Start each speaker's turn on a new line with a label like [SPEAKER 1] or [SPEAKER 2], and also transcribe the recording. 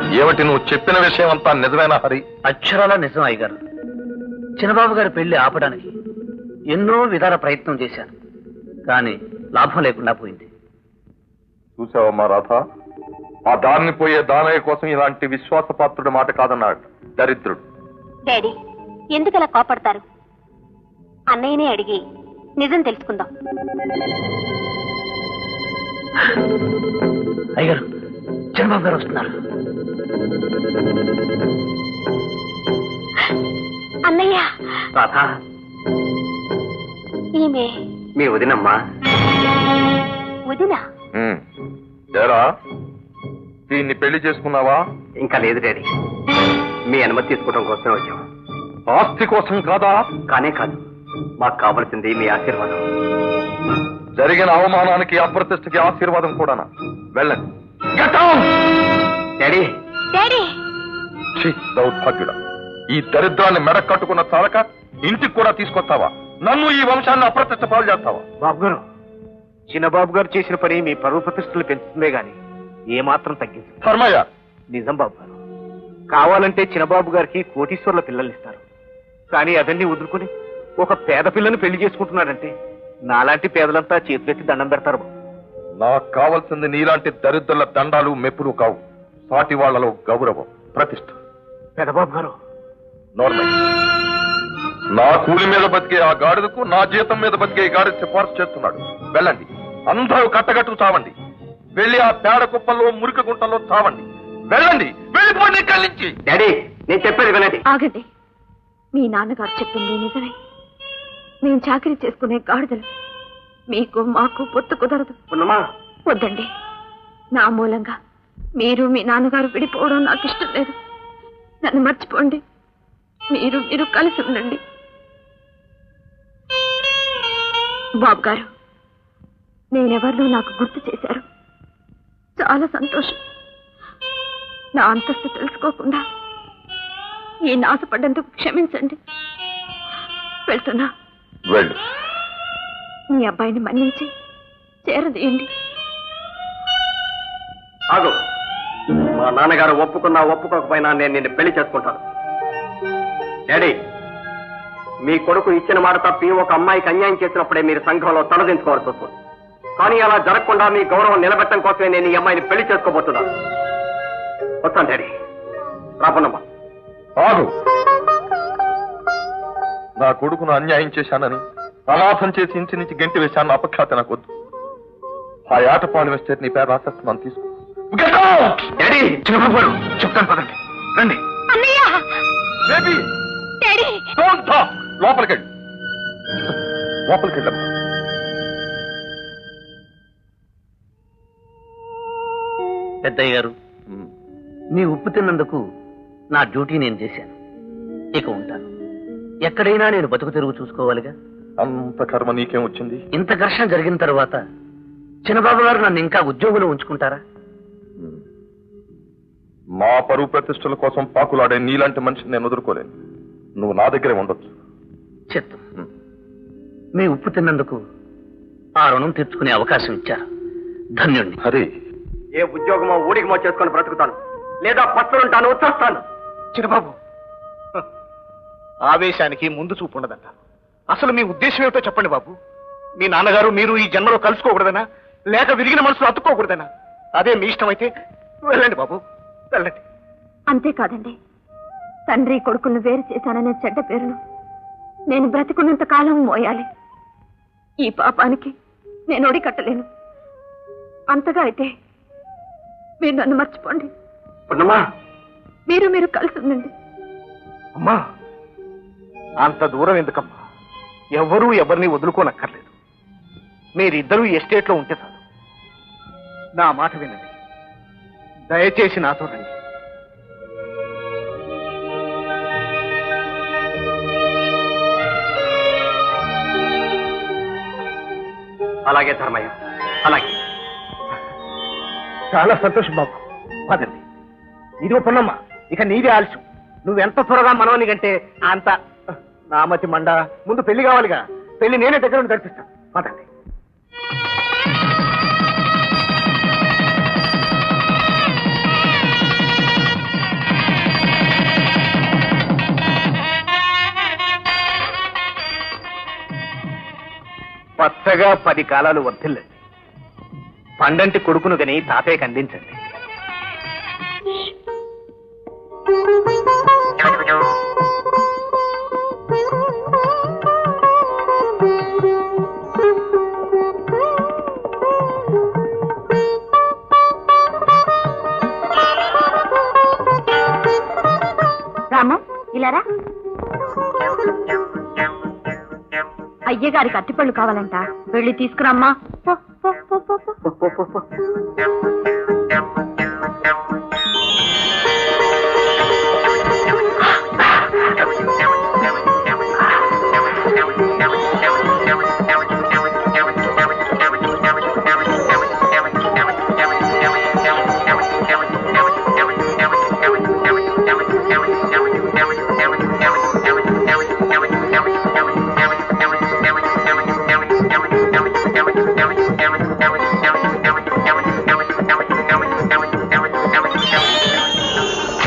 [SPEAKER 1] ఏమిటి నువ్వు చెప్పిన విషయం అంతా నిజమేనా హరి?
[SPEAKER 2] అక్షరాల నిజం అయ్యగారు. చిన్నబాబు గారి పెళ్లి ఆపడానికి ఎన్నో విధాల ప్రయత్నం చేశాను, కానీ లాభం లేకుండా పోయింది.
[SPEAKER 1] చూసావమ్మా రాధ, ఆ దారిని పోయే దానయ్య కోసం ఇలాంటి విశ్వాసపాత్రుడి మాట కాదన్నాడు దరిద్రుడు.
[SPEAKER 3] డాడీ, ఎందుకలా కోపడతారు? అన్నయ్యనే అడిగి నిజం తెలుసుకుందాం.
[SPEAKER 2] అయ్యగారు, చిన్నబాబు గారు వస్తున్నారు.
[SPEAKER 3] అన్నయ్య.
[SPEAKER 2] రాధా,
[SPEAKER 3] ఈమె
[SPEAKER 2] మీ వదినమ్మా.
[SPEAKER 3] వదినా?
[SPEAKER 1] ఏరా, దీన్ని పెళ్లి చేసుకున్నావా?
[SPEAKER 2] ఇంకా లేదు డాడీ, మీ అనుమతి తీసుకోవడం కోసం వచ్చాం.
[SPEAKER 1] ఆస్తి కోసం కాదా?
[SPEAKER 2] కానే కాదు, మాకు కావలసింది మీ ఆశీర్వాదం.
[SPEAKER 1] జరిగిన అవమానానికి అప్రతిష్టకి ఆశీర్వాదం కూడానా? వెళ్ళండి.
[SPEAKER 2] డాడీ.
[SPEAKER 3] డాడీ.
[SPEAKER 1] దౌర్భాగ్యుడా, ఈ దరిద్రాన్ని మెడ కట్టుకున్న చాలక ఇంటికి కూడా తీసుకొస్తావా? నన్ను ఈ వంశాన్ని అప్రతిష్ట పాలు చేస్తావా?
[SPEAKER 4] బాబు గారు, చిన్నబాబు గారు చేసిన పని మీ పరువు ప్రతిష్టలు పెంచుతుందే గాని ఏమాత్రం తగ్గింది.
[SPEAKER 1] ధర్మయ్య,
[SPEAKER 4] నిజం బాబు గారు. కావాలంటే చిన్నబాబు గారికి కోటీశ్వర్ల పిల్లల్ని ఇస్తారు, కానీ అవన్నీ వదులుకుని ఒక పేద పిల్లని పెళ్లి చేసుకుంటున్నాడంటే నాలాంటి పేదలంతా చేతులెత్తి దండం పెడతారు.
[SPEAKER 1] నాకు కావాల్సింది నీలాంటి దరిద్రుల దండాలు మెప్పులు కావు, సాటి వాళ్లలో గౌరవం, ప్రతిష్ట.
[SPEAKER 4] పెదబాబు గారు,
[SPEAKER 1] నార్మల్. నా కూలి మీద బతికే ఆ గాడిదకు నా జీతం మీద బతికే ఈ గాడిద సిఫార్సు చేస్తున్నాడు. వెళ్ళండి, అందరూ కట్టగట్టు చావండి. వెళ్ళి ఆ పేడ కుప్పల్లో మురికి గుంటల్లో చావండి. వెళ్ళండి, వెళ్ళిపోండి ఇక్కడి నుంచి.
[SPEAKER 2] డాడీ, నేను చెప్పేది వినండి.
[SPEAKER 3] ఆగండి. మీ నాన్నగారు చెప్పింది నిజమే. మేము చాకరీ చేసుకునే గాడిదలు. మీకు మాకు పొత్తు కుదరదు. వద్దండి, నా మూలంగా మీరు మీ నాన్నగారు విడిపోవడం నాకు ఇష్టం లేదు. నన్ను మర్చిపోండి. మీరు కలిసి ఉండండి. బాబు గారు, నేనెవరినో నాకు గుర్తు చేశారు. చాలా సంతోషం. నా అంతస్తు తెలుసుకోకుండా ఈ నాశపడ్డందుకు క్షమించండి. వెళ్తున్నా.
[SPEAKER 1] వెళ్ళు.
[SPEAKER 3] మీ అబ్బాయిని మన్నించి చేరదీయండి.
[SPEAKER 2] ఆగు. మా నాన్నగారు ఒప్పుకున్నా ఒప్పుకోకపోయినా నేను నిన్ను పెళ్లి చేసుకుంటాను. డాడీ, మీ కొడుకు ఇచ్చిన మాట తప్పి ఒక అమ్మాయికి అన్యాయం చేసినప్పుడే మీరు సంఘంలో తలదించుకోవాల్సి వస్తుంది. కానీ అలా జరగకుండా మీ గౌరవం నిలబెట్టడం కోసమే నేను ఈ అమ్మాయిని పెళ్లి చేసుకోబోతున్నాను. వస్తాను డాడీ. రాపన్నమ్మా.
[SPEAKER 1] ఆగు. నా కొడుకును అన్యాయం చేశానని, అనాథం చేసి ఇంటి నుంచి గెంటి వేశాను అపఖ్యాత నాకు వద్దు. ఆ ఆటపాడు వేస్తే నీ పేరు రాసేస్తున్నాను, తీసుకో.
[SPEAKER 4] డాడీ, చిన్నబాబు గారు చెప్తాను, పదండి. రండి.
[SPEAKER 1] లోపలికెళ్ళి లోపలికెళ్ళమ్మా.
[SPEAKER 2] పెద్దయ్య గారు, మీ ఉప్పు తిన్నందుకు నా డ్యూటీ నేను చేశాను. ఇక ఉంటాను. ఎక్కడైనా నేను బతుకు తెరుగు చూసుకోవాలిగా.
[SPEAKER 1] అంత కర్మ నీకేం వచ్చింది?
[SPEAKER 2] ఇంత ఘర్షణ జరిగిన తర్వాత చిన్నబాబు గారు నన్ను ఇంకా ఉద్యోగంలో ఉంచుకుంటారా?
[SPEAKER 1] మా పరువు ప్రతిష్టల కోసం పాకులాడే నీలాంటి మనిషిని నేను వదులుకోలేను. నువ్వు నా దగ్గరే ఉండొచ్చు.
[SPEAKER 2] చిత్తం. మీ ఉప్పు తిన్నందుకు ఆ రుణం తీర్చుకునే అవకాశం ఇచ్చారు. ధన్యుణ్ణి.
[SPEAKER 1] హరి,
[SPEAKER 2] ఏ ఉద్యోగమో ఊడిగమో చేసుకొని బ్రతుకుతాను, లేదా పట్టుకుంటాను, వచ్చేస్తాను.
[SPEAKER 4] చిన్నబాబు, ఆవేశానికి ముందు చూపు ఉండదంట. అసలు మీ ఉద్దేశం ఏమిటో చెప్పండి బాబు. మీ నాన్నగారు మీరు ఈ జన్మలో కలుసుకోకూడదనా, లేక విరిగిన మనసులో అతుక్కోకూడదనా? అదే మీ ఇష్టం అయితే వెళ్ళండి బాబు, వెళ్ళండి.
[SPEAKER 3] అంతేకాదండి, తండ్రి కొడుకులను వేరు చేశాననే చెడ్డ పేరును నేను బ్రతికున్నంత కాలం మోయాలి. ఈ పాపానికి నేను ఒడికట్టలేను. అంతగా అయితే మీరు నన్ను మర్చిపోండి. మీరు కలిసి ఉండండి.
[SPEAKER 4] అమ్మా, అంత దూరం ఎందుకమ్మా? ఎవరూ ఎవరిని వదులుకోనక్కర్లేదు. మీరిద్దరూ ఎస్టేట్లో ఉంటే చాలు. నా మాట వినండి, దయచేసి నాతో రండి.
[SPEAKER 2] అలాగే ధర్మయ్య, అలాగే.
[SPEAKER 4] చాలా సంతోషం బాబు, పదండి. ఇదిగో పొన్నమ్మ, ఇక నీదే ఆలస్యం. నువ్వెంత త్వరగా మనవని కంటే అంత. నామతి మండ, ముందు పెళ్లి కావాలిగా. పెళ్లి నేనే దగ్గర నుండి జరిపిస్తాను, పదండి. వరుసగా 10 కాలాలు వర్ధిల్లండి. పండంటి కొడుకును గని తాతయ్యకి అందించండి.
[SPEAKER 3] రామం ఇలారా. అయ్యగారికి అట్టిపళ్ళు కావాలంట, వెళ్ళి తీసుకురామ్మా. పో, పో, పో, పో, పో.